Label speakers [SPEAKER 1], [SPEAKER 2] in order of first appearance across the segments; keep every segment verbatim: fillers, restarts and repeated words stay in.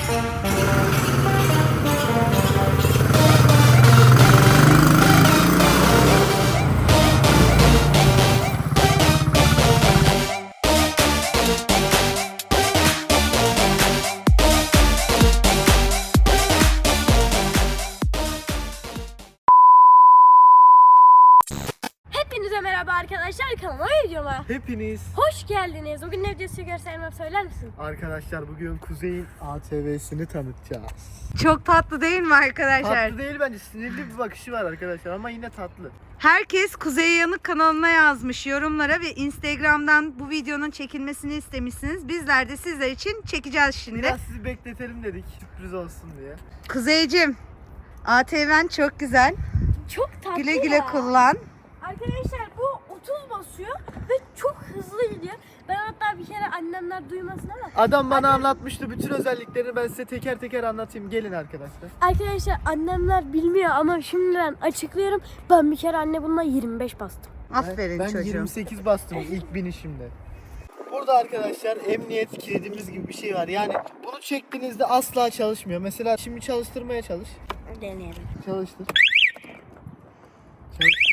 [SPEAKER 1] Hepinize merhaba arkadaşlar, kanalıma videoma
[SPEAKER 2] Hepiniz
[SPEAKER 1] hoş geldiniz. Bugün ne videosu göstermem söyler misin?
[SPEAKER 2] arkadaşlar, bugün Kuzey'in A T V'sini tanıtacağız.
[SPEAKER 3] Çok tatlı değil mi arkadaşlar?
[SPEAKER 2] Tatlı değil bence, sinirli bir bakışı var arkadaşlar ama yine tatlı.
[SPEAKER 3] Herkes Kuzey Yanık kanalına yazmış yorumlara ve Instagram'dan bu videonun çekilmesini istemişsiniz. Bizler de sizler için çekeceğiz şimdi.
[SPEAKER 2] Biraz sizi bekletelim dedik, sürpriz olsun diye.
[SPEAKER 3] Kuzeycim, A T V'n çok güzel.
[SPEAKER 1] Çok tatlı
[SPEAKER 3] Güle güle
[SPEAKER 1] ya.
[SPEAKER 3] kullan.
[SPEAKER 1] Arkadaşlar bu otuz basıyor ve çok hızlı gidiyor. Ben hatta bir kere annemler duymasın ama
[SPEAKER 2] Adam bana
[SPEAKER 1] Annem-
[SPEAKER 2] anlatmıştı bütün özelliklerini, ben size teker teker anlatayım. Gelin arkadaşlar.
[SPEAKER 1] Arkadaşlar annemler bilmiyor ama şimdiden açıklıyorum. Ben bir kere anne bununla yirmi beş bastım.
[SPEAKER 3] Aferin
[SPEAKER 2] ben, ben
[SPEAKER 3] çocuğum.
[SPEAKER 2] yirmi sekiz bastım ilk binişimde. Burada arkadaşlar emniyet kilidimiz gibi bir şey var. Yani bunu çektiğinizde asla çalışmıyor. Mesela şimdi çalıştırmaya çalış.
[SPEAKER 1] Deneyelim.
[SPEAKER 2] Çalıştır. Çalıştır.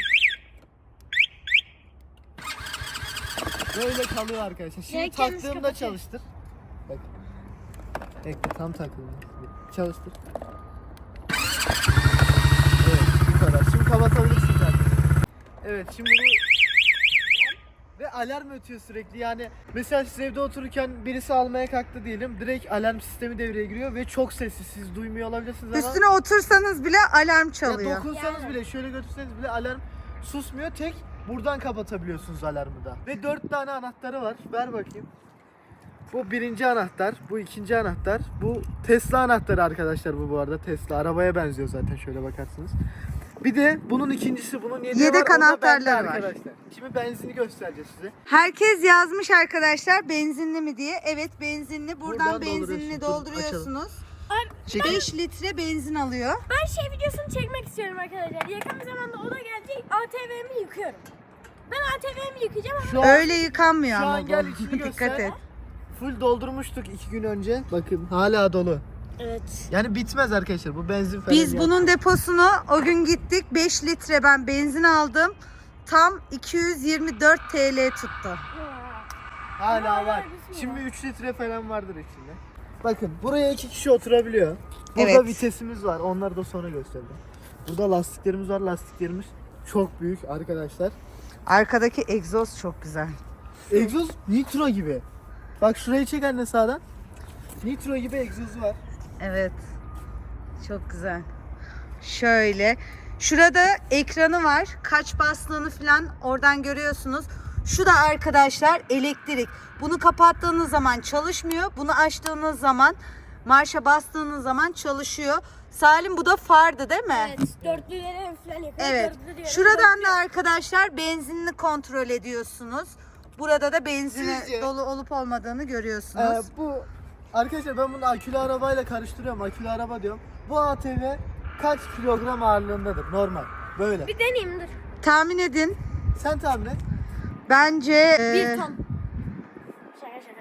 [SPEAKER 2] Böyle kalıyor arkadaşlar. Şimdi
[SPEAKER 1] Direkt kendisi
[SPEAKER 2] taktığımda
[SPEAKER 1] kapatıyor.
[SPEAKER 2] çalıştır. Bak. Bekle, tam takıldı. Çalıştır. Evet, bu kadar. Şimdi kapatabilirsin zaten. Evet, şimdi bunu ve alarm ötüyor sürekli. Yani mesela siz evde otururken birisi almaya kalktı diyelim, direkt alarm sistemi devreye giriyor ve çok sessiz. Siz duymuyor olabilirsiniz ama
[SPEAKER 3] Üstüne otursanız bile alarm
[SPEAKER 2] ya
[SPEAKER 3] çalıyor.
[SPEAKER 2] dokunsanız
[SPEAKER 1] Yani.
[SPEAKER 2] bile, şöyle götürseniz bile alarm susmuyor. Tek buradan kapatabiliyorsunuz alarmı da. Ve dört tane anahtarı var. Ver bakayım. Bu birinci anahtar, bu ikinci anahtar, bu Tesla anahtarı arkadaşlar, bu bu arada Tesla arabaya benziyor zaten, şöyle bakarsınız. Bir de bunun ikincisi, bunun yedeği
[SPEAKER 3] Yedek
[SPEAKER 2] var, o da bende
[SPEAKER 3] anahtarları var.
[SPEAKER 2] arkadaşlar. Şimdi benzini göstereceğiz size.
[SPEAKER 3] Herkes yazmış arkadaşlar benzinli mi diye. Evet benzinli. Buradan,
[SPEAKER 2] Buradan
[SPEAKER 3] benzinli
[SPEAKER 2] dolduruyorsun.
[SPEAKER 3] dolduruyorsunuz.
[SPEAKER 2] Çek.
[SPEAKER 3] beş litre benzin alıyor.
[SPEAKER 1] Ben şey videosunu çekmek istiyorum arkadaşlar. Yakın bir zamanda o da gelecek. A T V'mi yıkıyorum. Ben A T V'mi yıkayacağım ama
[SPEAKER 2] Şu an,
[SPEAKER 3] Öyle yıkanmıyor
[SPEAKER 2] şu
[SPEAKER 3] ama
[SPEAKER 2] an gel
[SPEAKER 3] bu.
[SPEAKER 2] içini
[SPEAKER 3] Dikkat
[SPEAKER 2] göster.
[SPEAKER 3] et.
[SPEAKER 2] Full doldurmuştuk iki gün önce. Bakın hala dolu.
[SPEAKER 1] evet.
[SPEAKER 2] Yani bitmez arkadaşlar, bu benzin falan.
[SPEAKER 3] Biz
[SPEAKER 2] ya.
[SPEAKER 3] bunun deposunu o gün gittik. beş litre ben benzin aldım. Tam iki yüz yirmi dört T L tuttu.
[SPEAKER 2] Hala
[SPEAKER 1] Hala
[SPEAKER 2] var.
[SPEAKER 1] bitmiyor.
[SPEAKER 2] Şimdi üç litre falan vardır içinde. Bakın buraya iki kişi oturabiliyor. Burada
[SPEAKER 3] Evet.
[SPEAKER 2] vitesimiz var. Onları da sonra göstereceğim. Burada lastiklerimiz var. Lastiklerimiz çok büyük arkadaşlar.
[SPEAKER 3] Arkadaki egzoz çok güzel.
[SPEAKER 2] Egzoz nitro gibi. Bak şurayı çek anne sağdan. Nitro gibi egzozu var.
[SPEAKER 3] Evet. Çok güzel. Şöyle. Şurada ekranı var. Kaç bastığını falan oradan görüyorsunuz. Şu da arkadaşlar elektrik. Bunu kapattığınız zaman çalışmıyor. Bunu açtığınız zaman, marşa bastığınız zaman çalışıyor. Salim bu da fardı değil mi?
[SPEAKER 1] Evet, dörtlüleri falan yapıyor.
[SPEAKER 3] Evet.
[SPEAKER 1] Dörtlüleri
[SPEAKER 3] Şuradan
[SPEAKER 1] dörtlü-
[SPEAKER 3] da arkadaşlar benzinini kontrol ediyorsunuz. Burada da benzini
[SPEAKER 2] Sizce-
[SPEAKER 3] dolu olup olmadığını
[SPEAKER 2] Ee,
[SPEAKER 3] görüyorsunuz.
[SPEAKER 2] bu arkadaşlar, ben bunu akülü arabayla karıştırıyorum. Akülü araba diyorum. Bu A T V kaç kilogram ağırlığındadır normal? Böyle.
[SPEAKER 1] Bir deneyeyim dur.
[SPEAKER 3] Tahmin edin.
[SPEAKER 2] Sen tahmin et.
[SPEAKER 3] Bence
[SPEAKER 1] Bir
[SPEAKER 3] e,
[SPEAKER 1] ton. Şaka şaka.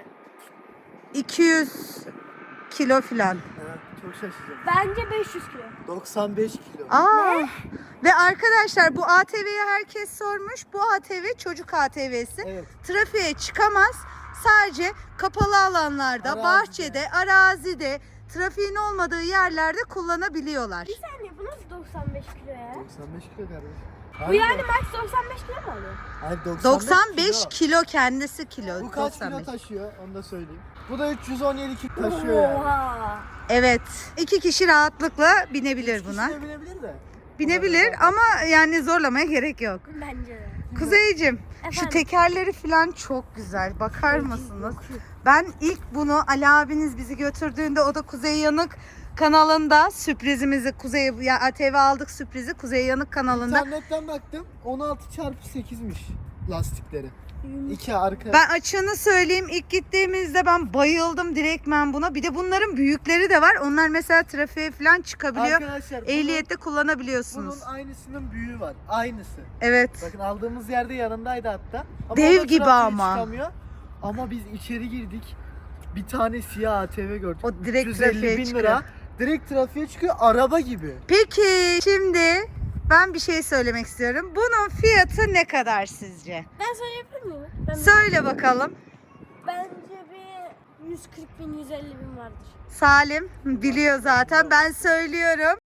[SPEAKER 3] iki yüz kilo filan.
[SPEAKER 2] Evet, çok şaşıracağım.
[SPEAKER 1] Bence beş yüz kilo.
[SPEAKER 2] doksan beş kilo.
[SPEAKER 3] Aa. Ve arkadaşlar bu A T V'yi herkes sormuş. Bu A T V çocuk A T V'si.
[SPEAKER 2] Evet.
[SPEAKER 3] Trafiğe çıkamaz. Sadece kapalı alanlarda,
[SPEAKER 2] Arazide.
[SPEAKER 3] bahçede, arazide, trafiğin olmadığı yerlerde kullanabiliyorlar.
[SPEAKER 1] Bir saniye bu nasıl doksan beş kilo ya?
[SPEAKER 2] doksan beş kilo kardeşim.
[SPEAKER 1] Bu yani max doksan beş kilo mu alıyor?
[SPEAKER 2] Hayır,
[SPEAKER 3] doksan beş
[SPEAKER 2] kilo.
[SPEAKER 3] kilo kendisi kilo.
[SPEAKER 2] Bu kaç
[SPEAKER 3] doksan beş.
[SPEAKER 2] kilo taşıyor onu da söyleyeyim. Bu da üç yüz on yedi kilo taşıyor yani.
[SPEAKER 1] Oha.
[SPEAKER 3] Evet. iki kişi rahatlıkla binebilir
[SPEAKER 2] Üç
[SPEAKER 3] buna.
[SPEAKER 2] kişi de binebilir de.
[SPEAKER 3] Binebilir ama yani zorlamaya gerek yok.
[SPEAKER 1] Bence de.
[SPEAKER 3] Kuzeyciğim şu
[SPEAKER 1] Efendim?
[SPEAKER 3] tekerleri falan çok güzel. Bakar mısınız? Ben ilk bunu Ali abiniz bizi götürdüğünde, o da Kuzey Yanık kanalında sürprizimizi, Kuzey ya A T V aldık sürprizi Kuzey Yanık kanalında.
[SPEAKER 2] İnternetten baktım, on altı çarpı sekizmiş lastikleri. İki arka.
[SPEAKER 3] Ben açığını söyleyeyim, ilk gittiğimizde ben bayıldım direktmen buna. Bir de bunların büyükleri de var. Onlar mesela trafiğe falan çıkabiliyor.
[SPEAKER 2] Arkadaşlar bunun,
[SPEAKER 3] Ehliyette kullanabiliyorsunuz.
[SPEAKER 2] bunun aynısının büyüğü var. Aynısı.
[SPEAKER 3] Evet.
[SPEAKER 2] Bakın aldığımız yerde yanındaydı hatta. Ama
[SPEAKER 3] Dev
[SPEAKER 2] o da
[SPEAKER 3] gibi
[SPEAKER 2] trafiğe
[SPEAKER 3] ama.
[SPEAKER 2] çıkamıyor. Ama biz içeri girdik. bir tane siyah A T V gördük.
[SPEAKER 3] O direkt
[SPEAKER 2] üç yüz elli
[SPEAKER 3] trafiğe
[SPEAKER 2] bin
[SPEAKER 3] çıkıyor.
[SPEAKER 2] lira. Direkt trafiğe çıkıyor, araba gibi.
[SPEAKER 3] Peki şimdi ben bir şey söylemek istiyorum. Bunun fiyatı ne kadar sizce?
[SPEAKER 1] Ben söyleyebilir miyim? Ben
[SPEAKER 3] Söyle bakalım.
[SPEAKER 1] Bence bir yüz kırk bin, yüz elli bin vardır.
[SPEAKER 3] Salim biliyor zaten, ben söylüyorum.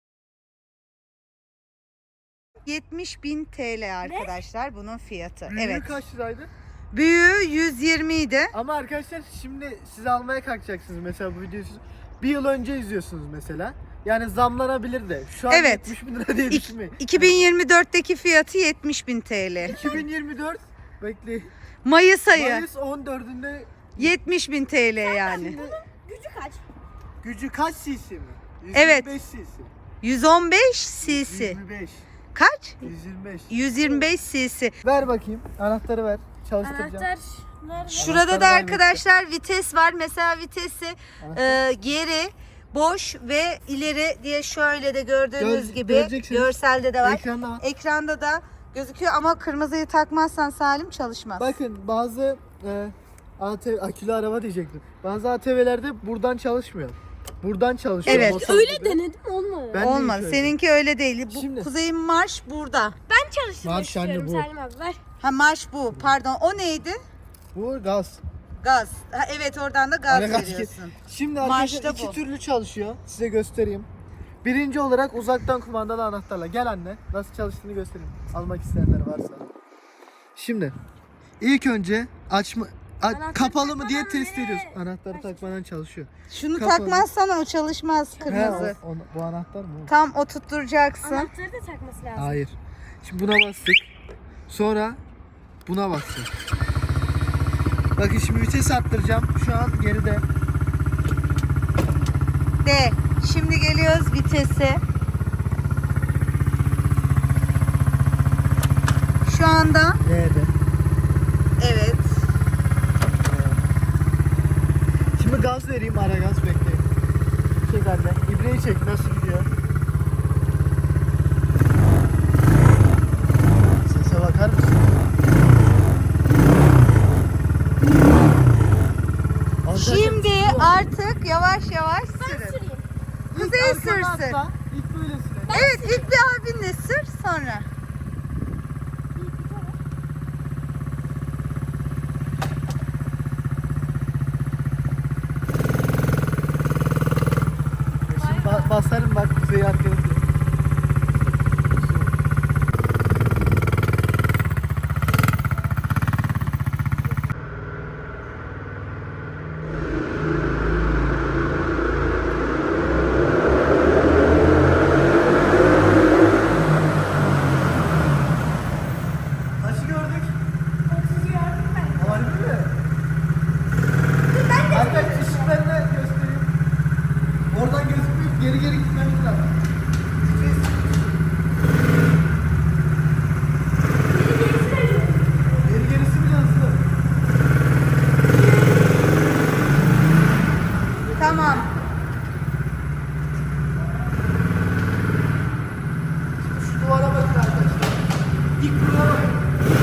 [SPEAKER 3] yetmiş bin T L arkadaşlar bunun fiyatı.
[SPEAKER 2] Büyüğü
[SPEAKER 3] Evet.
[SPEAKER 2] kaç liraydı?
[SPEAKER 3] Büyüğü yüz yirmi idi.
[SPEAKER 2] Ama arkadaşlar şimdi siz almaya kalkacaksınız mesela bu videoyu siz bir yıl önce izliyorsunuz mesela. Yani zamlanabilir de. Şu an
[SPEAKER 3] Evet.
[SPEAKER 2] yetmiş bin lira diye
[SPEAKER 3] İk-
[SPEAKER 2] düşünmeyin.
[SPEAKER 3] iki bin yirmi dörtteki fiyatı yetmiş bin T L.
[SPEAKER 2] iki bin yirmi dört bekle.
[SPEAKER 3] Mayıs ayı
[SPEAKER 2] Mayıs on dördünde
[SPEAKER 3] yetmiş bin T L yani.
[SPEAKER 1] Gücü kaç?
[SPEAKER 2] gücü kaç cc mi?
[SPEAKER 3] Evet.
[SPEAKER 2] yüz yirmi beş cc.
[SPEAKER 3] yüz on beş cc.
[SPEAKER 2] yüz yirmi beş.
[SPEAKER 3] Kaç?
[SPEAKER 2] yüz yirmi beş.
[SPEAKER 3] yüz yirmi beş cc.
[SPEAKER 2] Ver bakayım. Anahtarı ver. Çalıştıracağım.
[SPEAKER 1] Anahtar nerede?
[SPEAKER 3] Şurada da
[SPEAKER 2] Anahtarı
[SPEAKER 3] arkadaşlar vites var. Mesela vitesi
[SPEAKER 2] Anahtar.
[SPEAKER 3] e, geri, boş ve ileri diye şöyle de gördüğünüz
[SPEAKER 2] Gör-
[SPEAKER 3] gibi
[SPEAKER 2] göreceksiniz.
[SPEAKER 3] görselde de var.
[SPEAKER 2] Ekranda var.
[SPEAKER 3] Ekranda da gözüküyor ama kırmızıyı takmazsan Salim çalışmaz.
[SPEAKER 2] Bakın bazı e, A T V, akülü araba diyecektim. Bazı A T V'lerde buradan çalışmıyor. Buradan çalışıyor.
[SPEAKER 3] Evet.
[SPEAKER 2] motor
[SPEAKER 1] Öyle
[SPEAKER 2] gibi.
[SPEAKER 1] denedim olmadı.
[SPEAKER 2] Ben de
[SPEAKER 3] Olmaz.
[SPEAKER 2] şöyle.
[SPEAKER 3] Seninki öyle değil. Bu
[SPEAKER 2] Şimdi-
[SPEAKER 3] Kuzey Marş burada.
[SPEAKER 1] Ben çalıştırmak
[SPEAKER 2] Marş anne
[SPEAKER 1] istiyorum
[SPEAKER 2] bu.
[SPEAKER 1] Salim abi ver.
[SPEAKER 3] Ha marş bu. Pardon. O neydi?
[SPEAKER 2] Bu gaz.
[SPEAKER 3] Gaz. Ha, evet oradan da gaz
[SPEAKER 2] Ara gaz
[SPEAKER 3] veriyorsun.
[SPEAKER 2] Şimdi
[SPEAKER 3] Marşta
[SPEAKER 2] arkadaşlar iki
[SPEAKER 3] bu.
[SPEAKER 2] türlü çalışıyor. Size göstereyim. Birinci olarak uzaktan kumandalı anahtarla. Gel anne. Nasıl çalıştığını göstereyim. Almak isteyenler varsa. Şimdi ilk önce açma a-
[SPEAKER 1] Anahtarı
[SPEAKER 2] kapalı mı diye
[SPEAKER 1] takmadan
[SPEAKER 2] test
[SPEAKER 1] ne?
[SPEAKER 2] ediyoruz. Anahtarı takmadan çalışıyor.
[SPEAKER 3] Şunu
[SPEAKER 2] Kapalı.
[SPEAKER 3] takmazsan o çalışmaz kırmızı.
[SPEAKER 2] He, o- o- bu anahtar mı? o?
[SPEAKER 3] Tam oturtturacaksın.
[SPEAKER 1] Anahtarı da takması lazım.
[SPEAKER 2] Hayır. Şimdi buna bastık. Sonra buna bastık. Bakın şimdi vites arttıracağım. Şu an geride.
[SPEAKER 3] De. Şimdi geliyoruz vitese. Şu anda
[SPEAKER 2] Nerede?
[SPEAKER 3] evet.
[SPEAKER 2] Şimdi gaz vereyim, ara gaz bekleyin. Çek anne. İbreyi çek, nasıl gidiyor? Sese bakar mısın? Arkadaşlar,
[SPEAKER 3] Şimdi
[SPEAKER 2] tutuyor.
[SPEAKER 3] artık yavaş yavaş
[SPEAKER 1] Ben
[SPEAKER 3] sürün.
[SPEAKER 1] süreyim.
[SPEAKER 2] İlk
[SPEAKER 3] Kuzey
[SPEAKER 2] arkana
[SPEAKER 3] sürsün.
[SPEAKER 2] atla, İlk böyle süre.
[SPEAKER 3] Evet ilk bir abinle sür sonra.
[SPEAKER 2] Şimdi ba- basarım bak Kuzey'i arkaya. Kaçı gördük?
[SPEAKER 1] otuz gördüm ben.
[SPEAKER 2] Harbi mi?
[SPEAKER 1] Ben de
[SPEAKER 2] Arkadaşlar ışıklarını göstereyim. Oradan gözükmüyor. Geri geri gitmemiz lazım. Vites. Geri gerisi bile hızlı.
[SPEAKER 3] Tamam.
[SPEAKER 2] Şu duvara bakın arkadaşlar. İlk duvara bakın.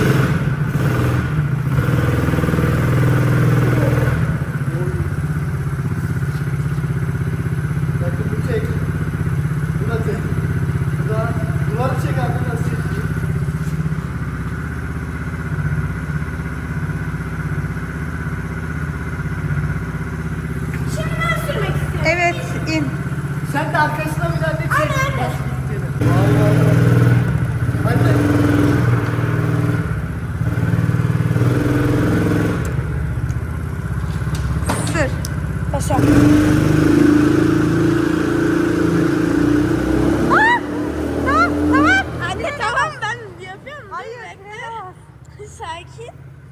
[SPEAKER 2] Bakın bu tek. Bu da tek. Bu da duvarı çek abi nasıl çekiyor.
[SPEAKER 1] Şimdi ben sürmek istiyorum.
[SPEAKER 3] Evet in.
[SPEAKER 2] Sen de arkasına bir tane çek.
[SPEAKER 1] Anne, anne.
[SPEAKER 2] Bas gittiğini. Vay vay vay. Hadi.
[SPEAKER 3] Sür.
[SPEAKER 1] Başa.
[SPEAKER 3] Tamam tamam.
[SPEAKER 1] Anne tamam ben yapıyorum.
[SPEAKER 3] Hayır.
[SPEAKER 1] Bekle. Sakin.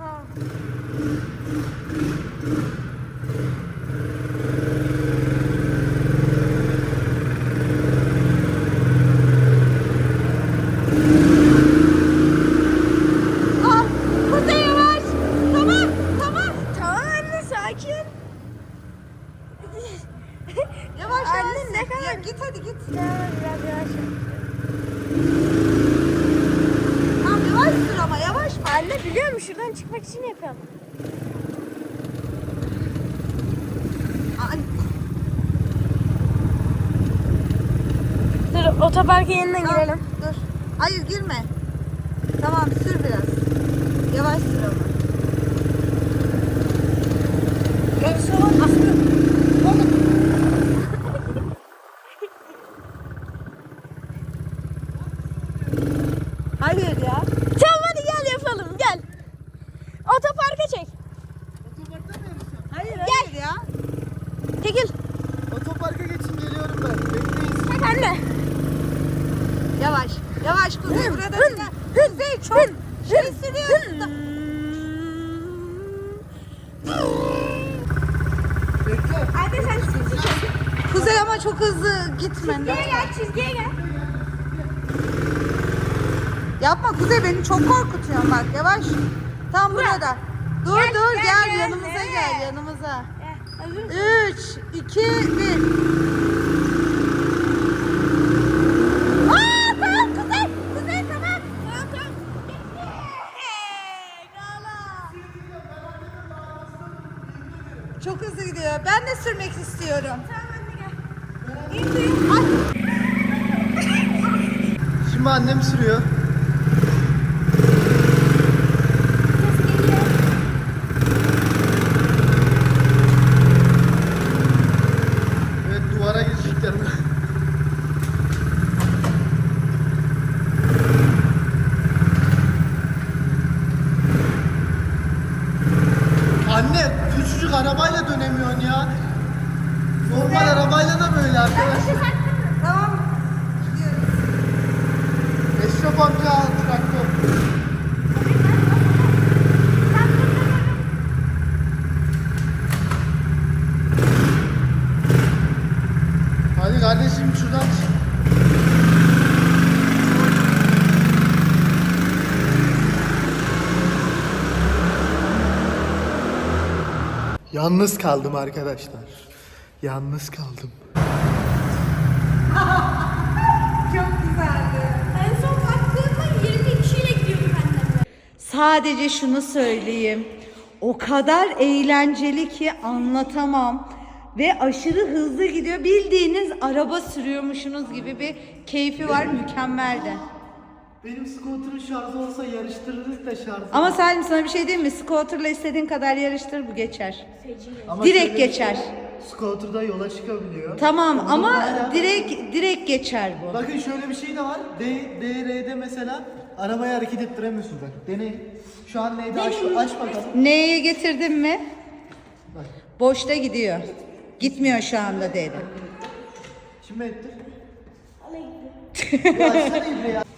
[SPEAKER 3] Ah, Kuzey yavaş. Tamam tamam.
[SPEAKER 1] Tamam anne sakin.
[SPEAKER 3] Yavaş
[SPEAKER 1] Anne,
[SPEAKER 3] yavaş.
[SPEAKER 1] ne kadar-
[SPEAKER 3] Ya, git hadi git.
[SPEAKER 1] Ya, biraz yavaş.
[SPEAKER 3] Tamam yavaş sür ama yavaş.
[SPEAKER 1] Anne biliyor musun şuradan çıkmak için yapıyorum. otoparka yeniden
[SPEAKER 3] Tamam,
[SPEAKER 1] girelim.
[SPEAKER 3] dur. Hayır girme. Tamam sür biraz. Yavaş sür ama.
[SPEAKER 1] Ben şu an aslında...
[SPEAKER 3] Hayır ya.
[SPEAKER 1] Tamam hadi gel yapalım gel. Otoparka çek.
[SPEAKER 2] Otoparkta mı yarışacağım?
[SPEAKER 3] Hayır hayır ya.
[SPEAKER 1] Çekil.
[SPEAKER 2] Otoparka geçin geliyorum ben. Bekleyin.
[SPEAKER 1] Çek anne.
[SPEAKER 3] Yavaş. Yavaş Kuzey burada.
[SPEAKER 1] hın,
[SPEAKER 3] Kuzey çok şey sürüyorsun. da-
[SPEAKER 2] Bekle.
[SPEAKER 1] Anne sen çizgi çek.
[SPEAKER 3] Kuzey ama çok hızlı gitme.
[SPEAKER 1] Çizgiye gel çizgiye gel.
[SPEAKER 3] Yapma Kuzey beni çok korkutuyorsun bak yavaş. Tam burada. Dur
[SPEAKER 1] Gel,
[SPEAKER 3] dur
[SPEAKER 1] gel,
[SPEAKER 3] gel,
[SPEAKER 1] gel.
[SPEAKER 3] yanımıza
[SPEAKER 1] Evet.
[SPEAKER 3] gel yanımıza.
[SPEAKER 1] Gel. Hazır mısın?
[SPEAKER 3] üç, iki, bir.
[SPEAKER 1] Aa tamam Kuzey. Kuzey tamam. Tamam tamam. Hey, Gala.
[SPEAKER 3] Çok hızlı gidiyor. Ben de sürmek istiyorum.
[SPEAKER 1] Tamam anne gel. İndi.
[SPEAKER 3] Ay.
[SPEAKER 2] Şimdi annem sürüyor.
[SPEAKER 1] Ses geliyor.
[SPEAKER 2] Evet duvara girecekler. Anne küçücük arabayla dönemiyorsun ya. Normal arabayla da böyle arkadaşlar.
[SPEAKER 3] Tamam. Gidiyoruz.
[SPEAKER 2] Eşref amca al traktör. Hadi kardeşim şuradan çık. Yalnız kaldım arkadaşlar. Yalnız kaldım.
[SPEAKER 3] Çok güzeldi.
[SPEAKER 1] En son baktığımda yirmi kişiyle gidiyorduk annemle.
[SPEAKER 3] Sadece şunu söyleyeyim. O kadar eğlenceli ki anlatamam. Ve aşırı hızlı gidiyor. Bildiğiniz araba sürüyormuşsunuz gibi bir keyfi var. Mükemmeldi.
[SPEAKER 2] Benim scooter'ın şarjı olsa yarıştırırız da şarjı.
[SPEAKER 3] Ama Salim sana bir şey diyeyim mi? Scooter'la istediğin kadar yarıştır bu geçer.
[SPEAKER 2] Ama
[SPEAKER 3] direkt
[SPEAKER 2] şöyle bir
[SPEAKER 3] geçer.
[SPEAKER 2] şey, Scooter'da yola çıkabiliyor.
[SPEAKER 3] Tamam
[SPEAKER 2] Ama
[SPEAKER 3] ama
[SPEAKER 2] hala-
[SPEAKER 3] direkt direkt geçer bu.
[SPEAKER 2] Bakın şöyle bir şey de var. D, D R'de mesela arabayı hareket ettiremiyorsun bak. Deneyin. Şu an neydi? Aç, aç bakalım.
[SPEAKER 3] Neye getirdin mi?
[SPEAKER 2] Bak.
[SPEAKER 3] Boşta gidiyor. Gitmiyor şu anda dedi.
[SPEAKER 2] Şimdi ettir. Ya açsana İbre ya.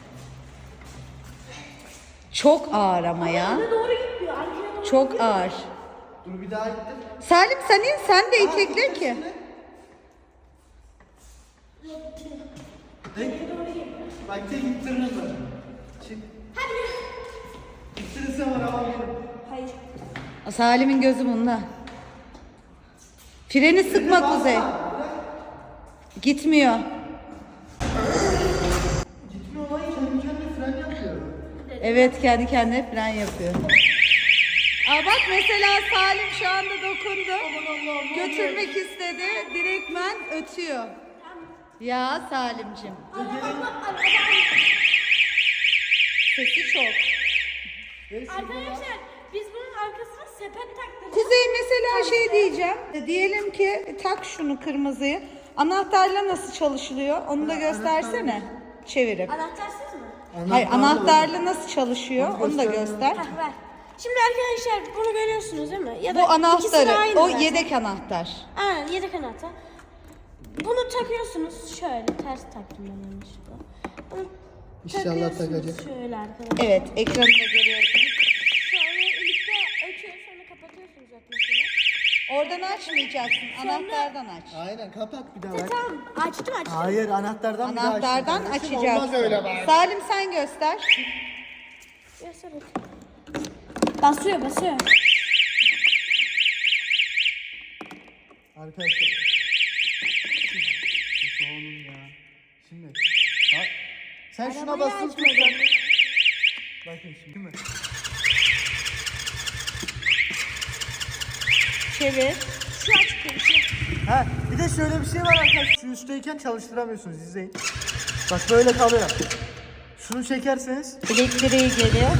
[SPEAKER 3] Çok ağır ama ya.
[SPEAKER 1] Doğru gitmiyor. Arkaya doğru.
[SPEAKER 3] Çok ağır.
[SPEAKER 2] Dur bir daha ittir.
[SPEAKER 3] Salim sen in, sen de itekle ki.
[SPEAKER 2] Tek. Bak tek ittiririm ben. Çık.
[SPEAKER 1] Hadi.
[SPEAKER 2] İttirirse var ama benim.
[SPEAKER 1] Hayır.
[SPEAKER 3] Salim'in gözü bunda. Freni sıkma Kuzey. Gitmiyor.
[SPEAKER 2] Gitmiyor lan kendi kendine fren yapıyor.
[SPEAKER 3] Evet kendi kendine fren yapıyor. Aa bak mesela Salim şu anda dokundu. Götürmek istedi. Direktmen ötüyor. Ya Salimcim. Sesi çok.
[SPEAKER 1] Arkadaşlar biz bunun arkasına sepet taktık.
[SPEAKER 3] Kuzey mesela şey diyeceğim. E, Diyelim ki tak şunu kırmızıyı. Anahtarla nasıl çalışılıyor? Onu da göstersene. Çevirip.
[SPEAKER 1] Anahtarsız mı?
[SPEAKER 3] Hayır anahtarla nasıl çalışıyor? Onu da göster.
[SPEAKER 1] Hah ver. Şimdi arkadaşlar bunu görüyorsunuz değil mi? Ya da
[SPEAKER 3] Bu
[SPEAKER 1] ikisini
[SPEAKER 3] anahtarı.
[SPEAKER 1] aynı
[SPEAKER 3] O
[SPEAKER 1] zaten.
[SPEAKER 3] yedek anahtar.
[SPEAKER 1] Aynen yedek anahtar. Bunu takıyorsunuz şöyle ters taktım ben yanlışlıkla. Bunu
[SPEAKER 2] İnşallah
[SPEAKER 1] takıyorsunuz
[SPEAKER 2] takacak.
[SPEAKER 1] şöyle arkadaşlar.
[SPEAKER 3] Evet ekranında görüyorsun.
[SPEAKER 1] Sonra birlikte açıyor sonra kapatıyorsunuz atmasını.
[SPEAKER 3] Oradan açmayacaksın. Anahtardan aç.
[SPEAKER 2] Aynen kapat bir daha
[SPEAKER 1] E,
[SPEAKER 2] bak.
[SPEAKER 1] tamam açtım açtım.
[SPEAKER 2] Hayır anahtardan bir daha açtın
[SPEAKER 3] Anahtardan
[SPEAKER 2] kardeşim.
[SPEAKER 3] açacaksın.
[SPEAKER 2] Olmaz öyle bak.
[SPEAKER 3] Salim sen göster.
[SPEAKER 1] Göster bakayım. Basıyor basıyor.
[SPEAKER 2] Arkadaşlar. Çok oğlum ya. Şimdi. Bak. Sen şuna
[SPEAKER 1] Arabayı
[SPEAKER 2] basılı tut.
[SPEAKER 1] açmadım.
[SPEAKER 2] Bakın şimdi. Değil mi?
[SPEAKER 3] Çevir.
[SPEAKER 1] Şu açık şu.
[SPEAKER 2] Ha, bir de şöyle bir şey var arkadaşlar. Şu üstteyken çalıştıramıyorsunuz. İzleyin. Bak böyle kalıyor. Şunu çekerseniz.
[SPEAKER 3] Elektriği geliyor.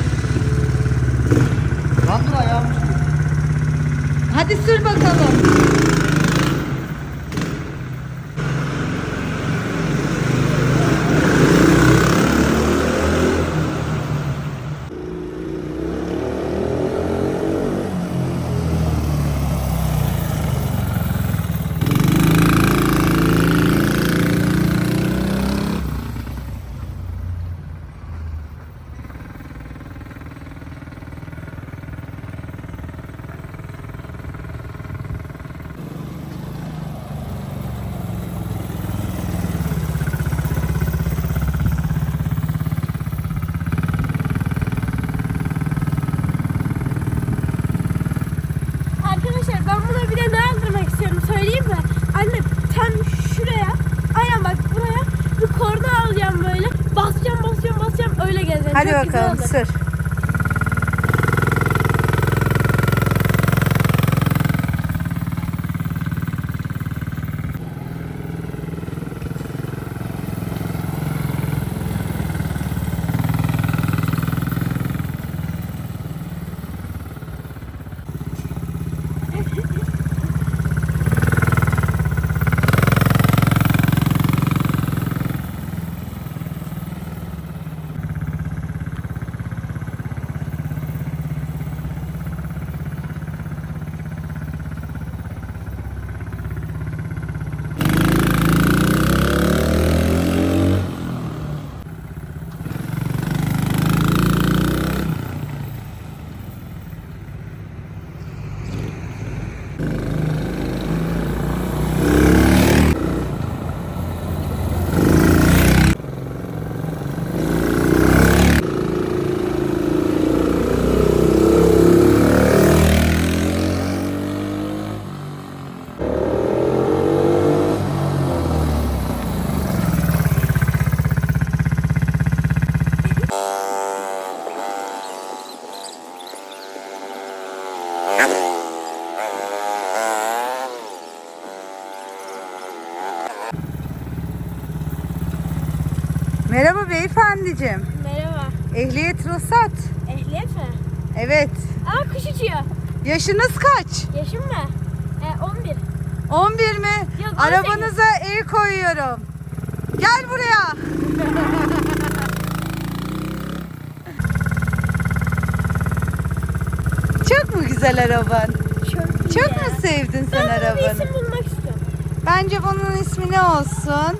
[SPEAKER 2] Lan dur ayağım düştü.
[SPEAKER 3] Hadi sür bakalım.
[SPEAKER 1] Arkadaşlar ben buna bir de ne aldırmak istiyorum söyleyeyim mi? Anne tam şuraya, aynen bak buraya bir korna alacağım böyle. Basacağım basacağım basacağım öyle gezeceğim.
[SPEAKER 3] Hadi
[SPEAKER 1] Çok güzel
[SPEAKER 3] bakalım
[SPEAKER 1] olur.
[SPEAKER 3] sür. Merhaba beyefendiciğim.
[SPEAKER 1] Merhaba.
[SPEAKER 3] Ehliyet ruhsat.
[SPEAKER 1] Ehliyet mi?
[SPEAKER 3] Evet.
[SPEAKER 1] Aa kuş uçuyor.
[SPEAKER 3] Yaşınız kaç?
[SPEAKER 1] Yaşım mı? Ee, on bir.
[SPEAKER 3] on bir mi?
[SPEAKER 1] Yok, on sekiz.
[SPEAKER 3] Arabanıza el koyuyorum. Gel buraya. Çok mu güzel araban?
[SPEAKER 1] Çok iyi
[SPEAKER 3] Çok
[SPEAKER 1] ya.
[SPEAKER 3] mu sevdin sen
[SPEAKER 1] Ben buna bir
[SPEAKER 3] arabanı?
[SPEAKER 1] isim bulmak istiyorum.
[SPEAKER 3] Bence bunun ismi ne olsun?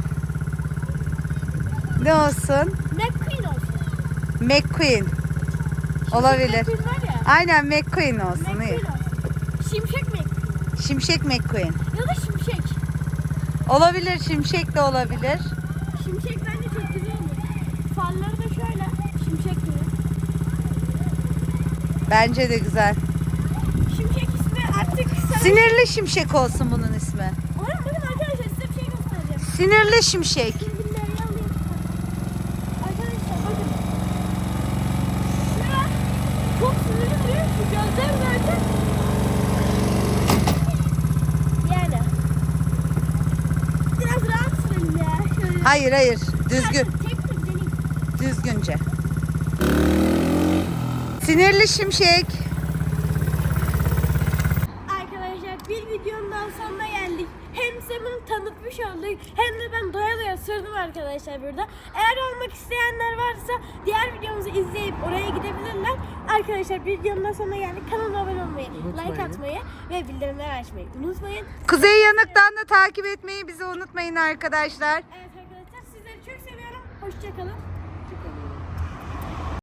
[SPEAKER 3] Ne olsun?
[SPEAKER 1] McQueen olsun.
[SPEAKER 3] McQueen. Olabilir.
[SPEAKER 1] McQueen var ya.
[SPEAKER 3] Aynen McQueen olsun.
[SPEAKER 1] McQueen
[SPEAKER 3] iyi.
[SPEAKER 1] olsun. Şimşek McQueen.
[SPEAKER 3] Şimşek McQueen.
[SPEAKER 1] Ya da şimşek.
[SPEAKER 3] Olabilir, şimşek de olabilir.
[SPEAKER 1] Şimşek bence çok güzel olur. Farları da şöyle. Şimşek gibi.
[SPEAKER 3] Bence de güzel.
[SPEAKER 1] Şimşek ismi artık sana...
[SPEAKER 3] Sinirli şimşek olsun bunun ismi.
[SPEAKER 1] Oğlum bakın arkadaşlar size bir şey göstereceğim.
[SPEAKER 3] Sinirli şimşek.
[SPEAKER 1] Şimdi bunları alayım. Arkadaşlar bakın. Şura çok sinirli duruyor. Şu gözler zaten. Yani. Biraz rahat sürelim ya. Şöyle.
[SPEAKER 3] Hayır hayır, düzgün,
[SPEAKER 1] Tek tek deneyim.
[SPEAKER 3] düzgünce. Sinirli şimşek.
[SPEAKER 1] Arkadaşlar bir videonun daha sonuna geldik. Hem size bunu tanıtmış olduk hem de ben doya doya sürdüm arkadaşlar burada. Eğer olmak isteyenler varsa diğer videomuzu izleyip oraya gidebilirler. Arkadaşlar bir videonun daha sonuna geldik. Kanalıma abone olmayı,
[SPEAKER 2] Unutmayın.
[SPEAKER 1] like atmayı ve bildirimleri açmayı unutmayın.
[SPEAKER 3] Kuzey Yanık'tan da takip etmeyi bizi unutmayın arkadaşlar.
[SPEAKER 1] Evet arkadaşlar sizleri çok seviyorum. Hoşçakalın.